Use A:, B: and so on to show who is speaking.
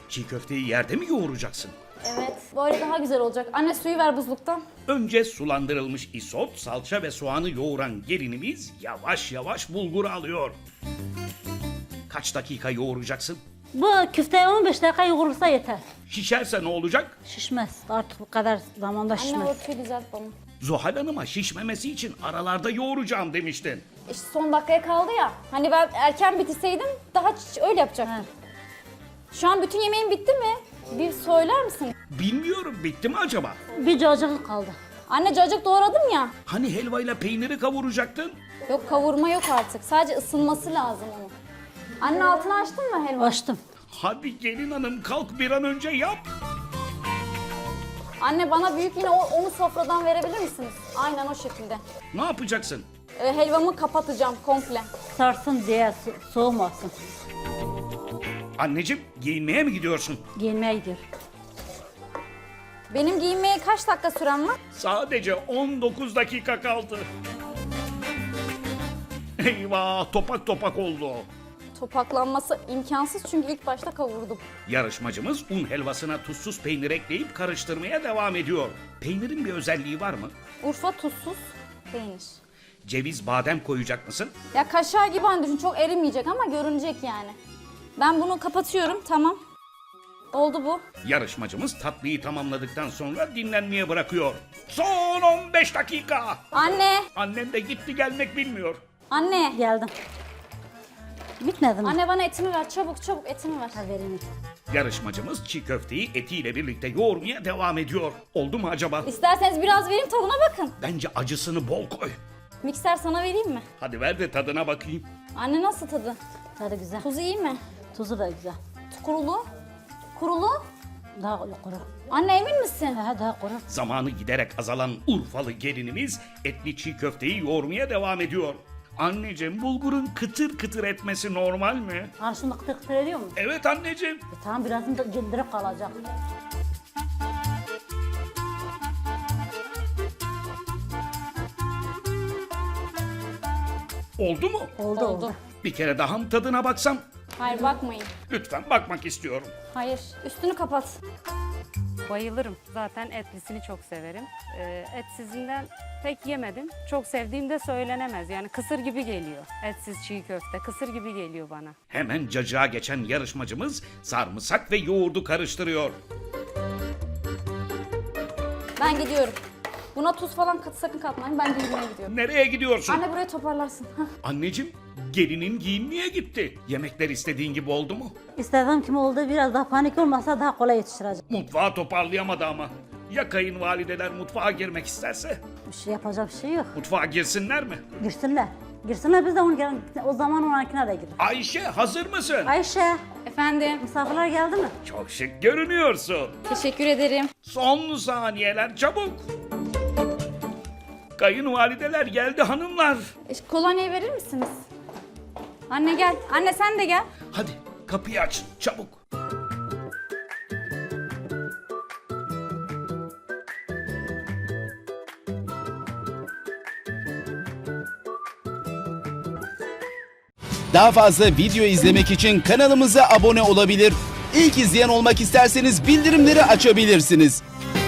A: Çiğ köfteyi yerde mi yoğuracaksın?
B: Evet, böyle daha güzel olacak. Anne suyu ver buzluktan.
A: Önce sulandırılmış isot, salça ve soğanı yoğuran gelinimiz yavaş yavaş bulguru alıyor. Kaç dakika yoğuracaksın?
C: Bu köfte 15 dakika yoğurulsa yeter.
A: Şişerse ne olacak?
C: Şişmez. Artık bu kadar zamanda
B: Anne
C: şişmez.
B: örtüyü düzelt bana.
A: Zuhal Hanım'a şişmemesi için aralarda yoğuracağım demiştin.
B: İşte son dakikaya kaldı ya. Hani ben erken bitirseydim daha öyle yapacaktım.
C: He.
B: Şu an bütün yemeğin bitti mi? Bir söyler misin?
A: Bilmiyorum, bitti mi acaba?
C: Bir cacık kaldı.
B: Anne cacık doğradım ya.
A: Hani helvayla peyniri kavuracaktın?
B: Yok kavurma yok artık. Sadece ısınması lazım onun. Anne altını açtın mı helva?
C: Açtım.
A: Hadi gelin hanım, kalk bir an önce yap.
B: Anne bana büyük yine onu sofradan verebilir misiniz? Aynen o şekilde.
A: Ne yapacaksın?
B: Helvamı kapatacağım komple.
C: Sarsın diye soğumasın.
A: Anneciğim, giyinmeye mi gidiyorsun?
C: Giyinmeye gidiyor.
B: Benim giyinmeye kaç dakika sürem var?
A: Sadece 19 dakika kaldı. Eyvah, topak topak oldu.
B: Topaklanması imkansız çünkü ilk başta kavurdum.
A: Yarışmacımız un helvasına tuzsuz peynir ekleyip karıştırmaya devam ediyor. Peynirin bir özelliği var mı?
B: Urfa tuzsuz peynir.
A: Ceviz, badem koyacak mısın?
B: Ya kaşar gibi hani düşün çok erimeyecek ama görünecek yani. Ben bunu kapatıyorum tamam. Oldu bu.
A: Yarışmacımız tatlıyı tamamladıktan sonra dinlenmeye bırakıyor. Son 15 dakika.
B: Anne,
A: Annen de gitti gelmek bilmiyor.
B: anne.
C: Geldim. Bitmedi mi?
B: Anne bana etimi ver çabuk çabuk etimi ver.
C: Ha, vereyim.
A: Yarışmacımız çiğ köfteyi etiyle birlikte yoğurmaya devam ediyor. Oldu mu acaba?
B: İsterseniz biraz vereyim tadına bakın.
A: Bence acısını bol koy.
B: Mikser sana vereyim mi?
A: Hadi ver de tadına bakayım.
B: Anne nasıl tadı?
C: Tadı güzel.
B: Tuzu iyi mi?
C: Tuzu da güzel.
B: Kurulu? Kurulu?
C: Daha kuru.
B: Anne emin misin?
C: Ha, daha kuru.
A: Zamanı giderek azalan Urfalı gelinimiz etli çiğ köfteyi yoğurmaya devam ediyor. Anneciğim, bulgurun kıtır kıtır etmesi normal mi?
C: Karşında kıtır kıtır ediyor mu?
A: Evet anneciğim.
C: Tamam birazını da dindirip kalacak.
A: Oldu mu?
C: Oldu.
A: Bir kere daha mı tadına baksam?
B: Hayır bakmayın.
A: Lütfen, bakmak istiyorum.
B: Hayır üstünü kapat.
D: Bayılırım. Zaten etlisini çok severim. Etsizinden pek yemedim. Çok sevdiğim de söylenemez. Yani kısır gibi geliyor. Etsiz çiğ köfte kısır gibi geliyor bana.
A: Hemen cacığa geçen yarışmacımız sarımsak ve yoğurdu karıştırıyor.
B: Ben gidiyorum. Buna tuz falan sakın katmayın. Ben giyinmeye gidiyorum.
A: Nereye gidiyorsun?
B: Anne burayı toparlarsın. Hah.
A: Anneciğim, gelinin giyinmeye gitti. Yemekler istediğin gibi oldu mu?
C: İstediğim kim oldu biraz daha panik olmasa daha kolay yetiştirecek.
A: Mutfağı toparlayamadı ama. Ya kayınvalideler mutfağa girmek isterse?
C: Bir şey yapacak bir şey yok.
A: Mutfağa girsinler mi?
C: Girsinler. Girsinler biz de o zaman onunkine de girin.
A: Ayşe, hazır mısın?
C: Ayşe,
B: Efendim.
C: misafirler geldi mi?
A: Çok şık görünüyorsun.
B: Teşekkür ederim.
A: Son saniyeler, çabuk. Kayınvalideler geldi hanımlar.
B: Kolonyayı verir misiniz? Anne gel. Anne sen de gel.
A: Hadi kapıyı aç, çabuk.
E: Daha fazla video izlemek için kanalımıza abone olabilir. İlk izleyen olmak isterseniz bildirimleri açabilirsiniz.